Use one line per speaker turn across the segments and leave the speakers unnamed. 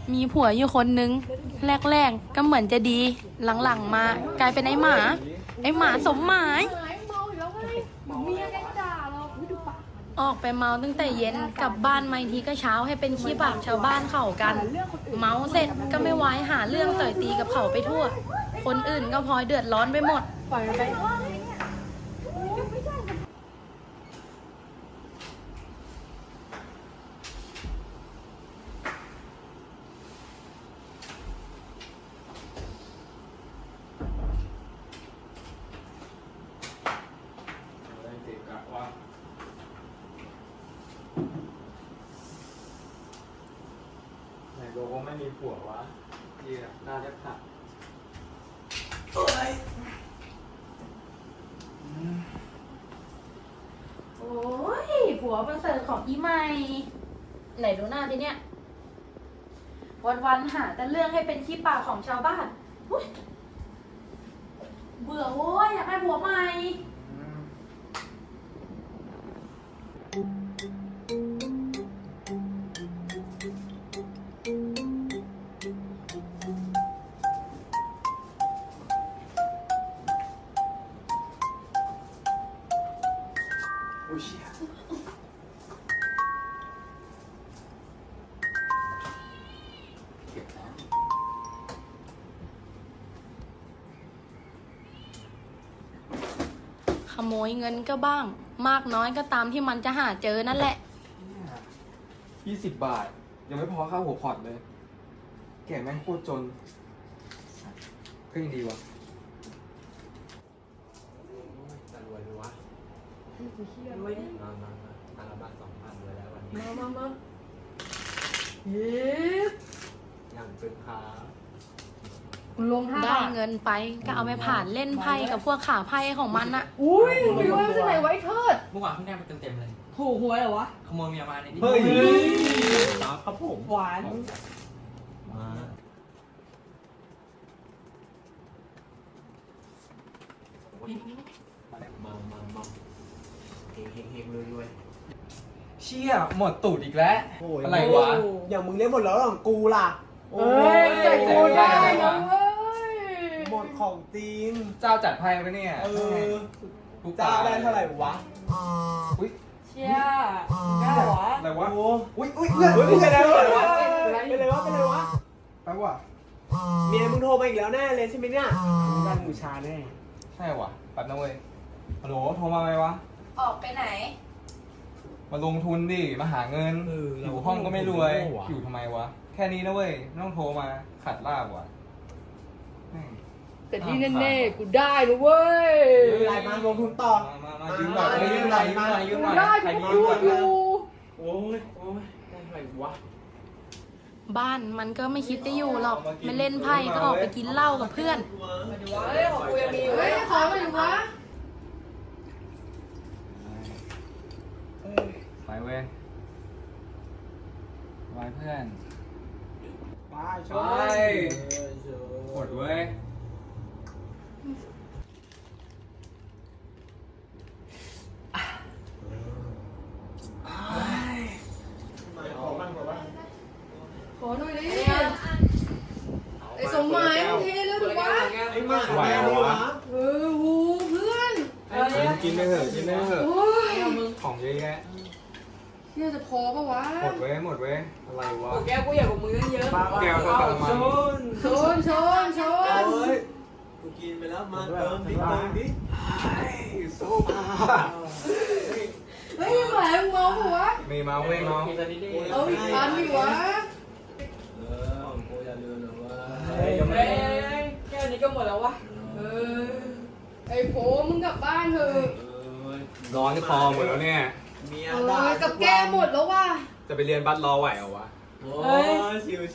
มีผัวอยู่คนนึงแรกๆก็เหมือนจะดีหลังๆมากลายเป็นไอ้หมาสมหมายออกไปเมาตั้งแต่เย็นกลับบ้านมาทีก็เช้าให้เป็นขี้ปากชาวบ้านเขากันเมาเสร็จก็ไม่ไว้หาเรื่องต่อยตีกับเขาไปทั่วคนอื่นก็พลอยเดือดร้อนไปหมดปล่อยไป
ไหนบอกว่าไม่มีผัววะยี่น่าจะผัก
โอ้ยผัวประเสริฐของอีใหม่ไหนดูหน้าทีเนี้ยวันๆหาแต่เรื่องให้เป็นขี้ปากของชาวบ้านเบื่อโว้ยอยากได้ผัวใหม่
โอ้ยเชี่ยเก็บแล้ว
ขโมยเงินก็บ้างมากน้อยก็ตามที่มันจะหาเจอนั่นแหละ
20 บาทยังไม่พอค่าหัวพอร์ตเลยแกแม่งโคตรจนก็ยังดีวะจะรวยดีวะรวยดิมาตาละบาท2,000เลยแล้ววันนี้
มาเย็บ
อย่างเป็นค้า
ลง5
ได้
บาท
เงินไปก็เอาไปผ่านเล่นไพ่กับพวกขาไพ่ของมันอะ
อุ้ยไม่รู้ว่าจะไหนไว้เทิด
เมื่อวานเพิ่งได้มาเต็มๆเลย
ถูกหวยเหรอวะ
ขโมยเมียมาในที่
เฮ้ย
ครับผม
หวาน
มาเฮงรวย
เชี่ยหมดตูดอีกแล้วอะไรวะ
อย่างมึงเล่นหมดแล้วหรอกูล่ะ
เอ้ยใจกูได้นะเว้ย
หมดของจริง
เจ้าจัดไพ่ปะเนี่ย ทุก
จ้าได้เท่าไหร่วะ
อุ้ย
เชี่ยได้เหรอ
อะไรวะ
โอ้
อุ้ย
เพื่อนเป็นไรวะ
อะไร
เป็นไรวะเป็นไรวะ
แปลว่า
เมียมึงโทรมาอีกแล้วแน่เลยใช่ไหมเนี่ยด้านบูชาแน่
ใช่ว่ะแป๊บนะเว้ยฮัลโหลโทรมาไหมวะ
ออกไปไหน
มาลงทุนดิ มาหาเงิน อยู่ห้องก็ไม่รวย อยู่ทำไมวะ แค่นี้นะเว้ยไม่ต้องโทรมาขัดลาบว่ะแม่ง
แต่ที่แน่ๆกูได้นะเว้ย
รายมาลงทุนต่อ
มายืมหน่อยยืมหน่อยยืมหน่อยยืมหน่อย
ได้
ใคร
กู
ยืม
พู
ก่อ
ด
น
อยู่
โอ้ยได้เท่าไหร่วะ
บ้านมันก็ไม่คิดจะอยู่หรอกไม่เล่นไพ่ก็ออกไปกินเหล้ากับเพื่อน
เฮ้ยของกูยังมีเฮ้ยขอมาอยู่วะ
ไปเว้ยไปเพื่อน
ไป
ไปกดเว้ย
ขอหน่อยดิไอ้สมหมายมึงเทแล้วถูกปะ
ไอ้มาไหววะ
หูเพื่อน
กินไปเถอะกินไปเถอะ
โอ้ย
ของเยอะแยะ
เนี่ยจะพอปะวะ
หมดเว้ยหมดเว้ยอะไรวะ
แก้วกูอยากกับมึงเยอะ
แก้วก็กระมัง
ชน
กูกินไปแล้วมาเติมดิเติมดิ
สู้มา
เฮ้ยหมายมึงเมาปะวะ
มีเมาเว้ยเมา
ๆกินซะนิดนึง
เอาอีกอันดิวะ
ของกูอย่าลืมนะว่า
เฮ้ยแก้วนี้ก็หมดแล้ววะไอ้โผมึงกลับบ้านเถอะ
ร้อนคอหมดแล้วเนี่ย
เมีย
กับแก้หมดแล้วว่ะ
จะไปเรียนบัสรอไหวเหรอวะ
โอ้ยชิว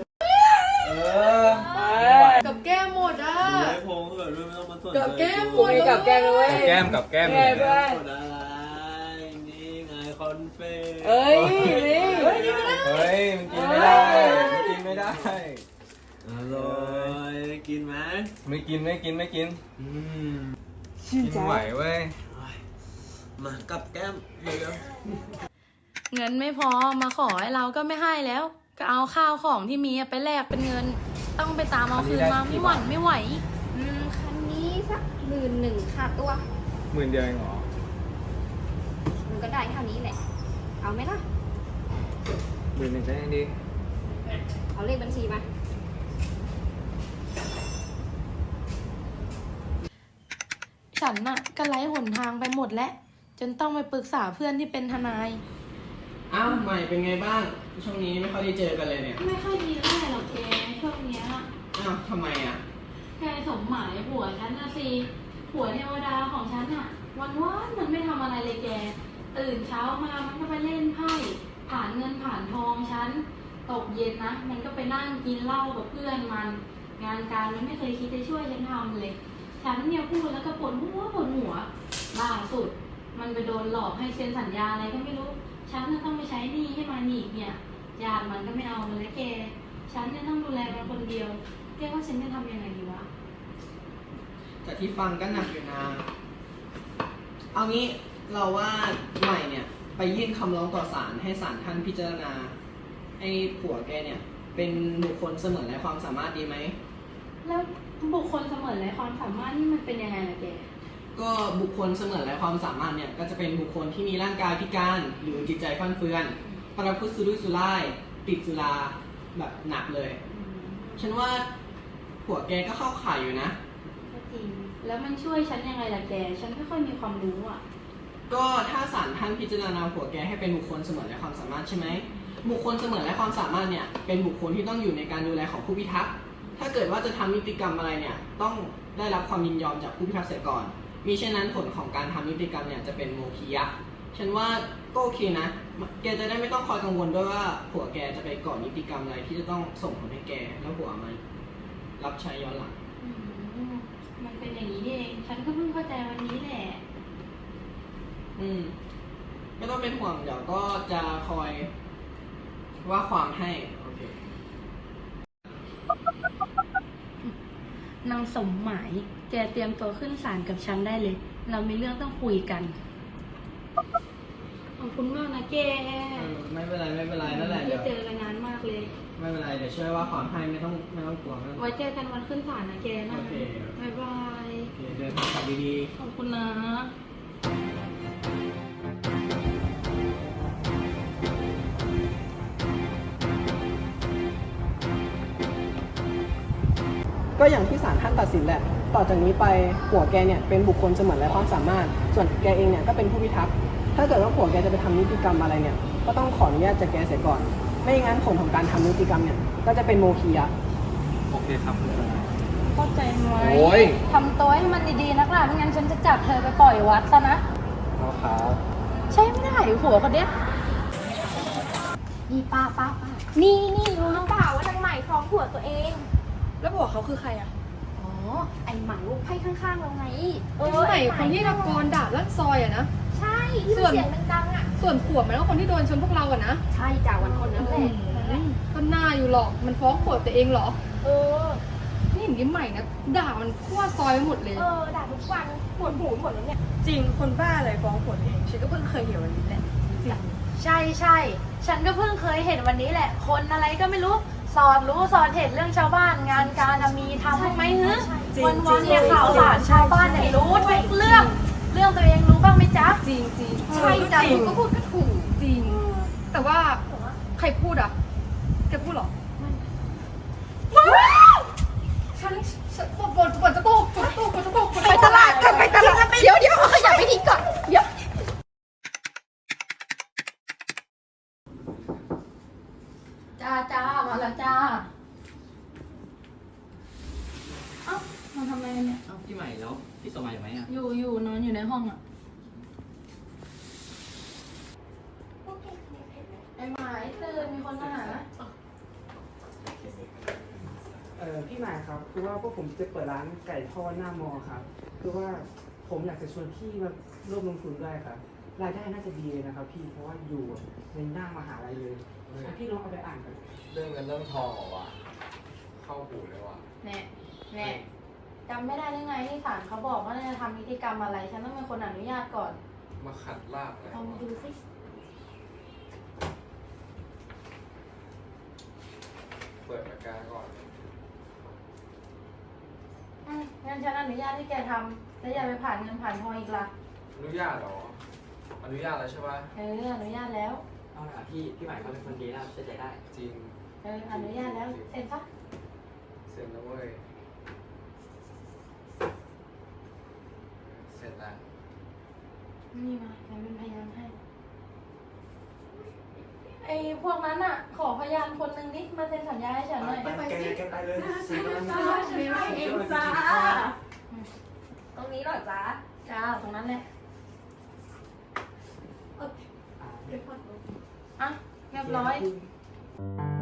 กับแก้หมดอ่ะ
ๆไอ้พงเกิดเรื่องไม่ต้องมาสนใจ
กับแก้หมดกับแก้เลย
กับแก้มกับแก้ม
แก้
เนี่ย
ด้วย
กดอะไรนี่ไงคอนเฟ่
เอ้ยนี่เฮ้ยนี่ไม่ได้
เฮ้ยมันกินไม่ได้มันกินไม่ได้
อร่อยกินไหม
ไม่กินไม่กินไม่กิน
ชื่น
กิน
ใจ
ไหวเว้ย
มากับแก้มเดี๋ยว
เงินไม่พอมาขอให้เราก็ไม่ให้แล้วก็เอาข้าวของที่มีไปแลกเป็นเงิน ต้องไปตามเอาคืนมาไม่หวั่นไม่ไหว
คันนี้สัก11,000ค่ะตัว
10,000 เดียวเองเหรอ
มันก็ได้เท่านี้แหละ เอาไหมล่ะ
10,000ก็ยังดี
เอาเลขบัญชีมา
ฉันน่ะก็ไร้หนทางไปหมดแล้วจนต้องไปปรึกษาเพื่อนที่เป็นทนาย
อ้าวใหม่เป็นไงบ้าง ช่วงนี้ไม่ค่อยได้เจอกันเลยเนี่ย
ไม่ค่อยดีเท่าไหร่หรอกแกช่วงเนี้ย
อ้าวทำไมอ่ะ
แกสมหมายผัวฉันนะสิผัวเทวดาของฉันอะวันมันไม่ทำอะไรเลยแก ตื่นเช้ามามันก็ไปเล่นไพ่ผ่านเงินผ่านทองฉันตกเย็นนะมันก็ไปนั่งกินเหล้ากับเพื่อนมัน งานการมันไม่เคยคิดจะช่วยฉันทำเลย ฉันเนี่ยพูดแล้วก็ปวดหัวล่าสุด มันไปโดนหลอกให้เซ็นสัญญาอะไรก็ไม่รู้ ฉันน่ะต้องไปใช้หนี้ให้มันอีกเนี่ยญาติมันก็ไม่เอามันแล้วแก ฉันเนี่ยต้องดูแลมันคนเดียวแกว่าฉันจะทำยังไงดีวะ
จากที่ฟังก็หนักอยู่นะ เอางี้เราว่าใหม่เนี่ย ไปยื่นคำร้องต่อศาลให้ศาลท่านพิจารณาให้ผัวแกเนี่ย เป็นบุคคลเสมือนไร้ความสามารถดีไหม
แล้วบุคคลเสมือนไร้ความสามารถนี่มันเป็นยังไงล่ะแก
ก็บุคคลเสมือนไร้ความสามารถเนี่ยก็จะเป็นบุคคลที่มีร่างกายพิการหรือจิตใจฟั่นเฟือนประพฤติสุรุ่ยสุร่ายติดสุราแบบหนักเลย ฉันว่าผัวแกก็เข้าข่ายอยู่นะ
ก็จริง แล้วมันช่วยฉันยังไงล่ะแก ฉันไม่ค่อยมีความรู้อ่ะ
ก็ถ้าศาลท่านพิจารณาผัวแกให้เป็นบุคคลเสมือนไร้ความสามารถใช่ไหมบุคคลเสมือนไร้ความสามารถเนี่ยเป็นบุคคลที่ต้องอยู่ในการดูแลของผู้พิทักษ์ถ้าเกิดว่าจะทำนิติกรรมอะไรเนี่ยต้องได้รับความยินยอมจากผู้พิทักษ์เสียก่อนมิฉะนั้นผลของการทำนิติกรรมเนี่ยจะเป็นโมฆะฉันว่าก็โอเคนะแกจะได้ไม่ต้องคอยกังวลด้วยว่าผัวแกจะไปก่อนิติกรรมอะไรที่จะต้องส่งผลให้แกแล้วผัวมันรับใช้ย้อนหลัง
มันเป็นอย่างนี้นี่เอง ฉันก็เพิ่งเข้าใจวันนี้แหละ
ไม่ต้องเป็นห่วงเดี๋ยวก็จะคอยว่าความให้โอเคน
างสมหมาย แกเตรียมตัวขึ้นศาลกับฉันได้เลย เรามีเรื่องต้องคุยกัน ขอบคุณมากนะแก
ไม่เป็นไรนั่นแหละ
ไม่
เดี๋
ได้
ยว
เจอกันนานมากเลย
ไม่เป็นไรเดี๋ยวช่วยว่าความให้ไม่ต้องกลัวไม่ต้องกลัว
ไว้เจอกันวันขึ้นศาลนะแกนะ
โอเค
บ๊ายบาย
โอเคเดินทางกลับดี
ขอบคุณนะ
ๆก็อย่างที่ศาลท่านตัดสินแหละต่อจากนี้ไปผัวแกเนี่ยเป็นบุคคลเสมือนไร้ความสามารถ ส่วนแกเองเนี่ยก็เป็นผู้พิทักษ์ถ้าเกิดว่าผัวแกจะไปทำนิติกรรมอะไรเนี่ยก็ต้องขออนุญาตจากแกเสียก่อน ไม่งั้นผลของการทำนิติกรรมเนี่ยก็จะเป็นโมฆะ
โอเคครับคุณทนาย
เข้าใจไหม
โอ้ย
ทำตัวให้มันดีๆนักล่ะไม่งั้นฉันจะจับเธอไปปล่อยวัดซะนะ
เอาครับ
ใช่ไม่ได้ผัวคนเนี้ย
นี่ป้านี่รู้หรือเปล่าว่านางใหม่ฟ้องผัวตัวเอง
แล้วผัวเขาคือใครอ่ะ
อ๋อ ไอใหม่ลูกไพ่ข้างๆเราไง
ใหม่คนที่ตะโกนด่าลั่นซอยอ่ะนะ
ใช่ที่มันเสียงดังๆอ่ะ
ส่วนผัวมันก็คนที่โดนชนพวกเราอ่ะนะ
ใช่จ้าวันคนนั้นแหละ
ก็น่าอยู่หรอก มันฟ้องผัวตัวเองเหรอ
เออ
นี่เห็นยิ้มใหม่นะ ด่ามันทั่วซอยไปหมดเลย
ด่าทุกวันปวดหูหมดแล้วเนี่ย
จริง คนบ้าอะไรฟ้องผัวตัวเอง ฉันก็เพิ่งเคยเห็นวันนี้แหละ จริง
ใช่ฉันก็เพิ่งเคยเห็นวันนี้แหละ คนอะไรก็ไม่รู้สอนเห็นเรื่องชาวบ้านงานการมีทำบ้างไหมฮึ
จริง
วันๆเนี่ยข่าวสารชาวบ้านเนี่ยรู้ทุกเรื่องตัวเองรู้บ้างไหมจ๊ะ
จริงจริง
ใช่จ้ะ
จริงก็พูดก็ถูกจริง แต่ว่าใครพูดอ่ะแกพูดเหรอฉันฝนจะตกไปตลาดกันเดี๋ยวขยับไปทีก่อนเดี๋ยว
จ้ามาแล้วจ้าเอ้ามาทำอะไรกันเนี่ย
เอ้าพี่ใหม่แล้วพี่สมัยอยู่ไหมอ่ะ
อยู่นอนอยู่ในห้องอ่ะไอ้หมายตื่นมีคนมาหา
พี่หมายครับคือว่าพวกผมจะเปิดร้านไก่ทอดหน้ามอครับคือว่าผมอยากจะชวนพี่มาร่วมลงทุนด้วยครับรายได้น่าจะดีเลยนะครับพี่เพราะว่าอยู่ในหน้ามหาลัยเลยพี่ลองเอาไปอ่านกัน
เรื่องเงินเรื่องทองเหรอวะเข้าหูเลยว่ะ
แน่จำไม่ได้ได้ไงที่ศาลเขาบอกว่าจะทำนิติกรรมอะไร ฉันต้องเป็นคนอนุญาตก่อน
มาขัดลาบอะไร
ลองมาดูสิ
ปิดปากกาก่อน
งั้นฉันอนุญาตให้แกทำแล้วอย่าไปผ่านเงินผ่านทองอีกล่ะ
อนุญาตเหรอ อนุญาตแล้วใช่ปะ
อนุญาตแล้ว
เอาล่ะพี่ใหม่เขาเป็นคนดีนะเชื่อใจได้
จริง
อนุญาตแล้วเซ็นซะ
เสร็จแล้วเว้ย เสร็จแล้ว
นี่มาฉันเป็นพยานให้ไอ้พวกนั้นอ่ะ ขอพยานคนหนึ่งนิดมาเซ็นสัญญาให้ฉันหน่อย
แกไปเลยสิ
ฉันไม่เองจ้า
ตรงนี้เหรอจ๊ะ
จ้าตรงนั้นแหละ
เดี๋ยวก่อน
อ่ะเรียบร้อย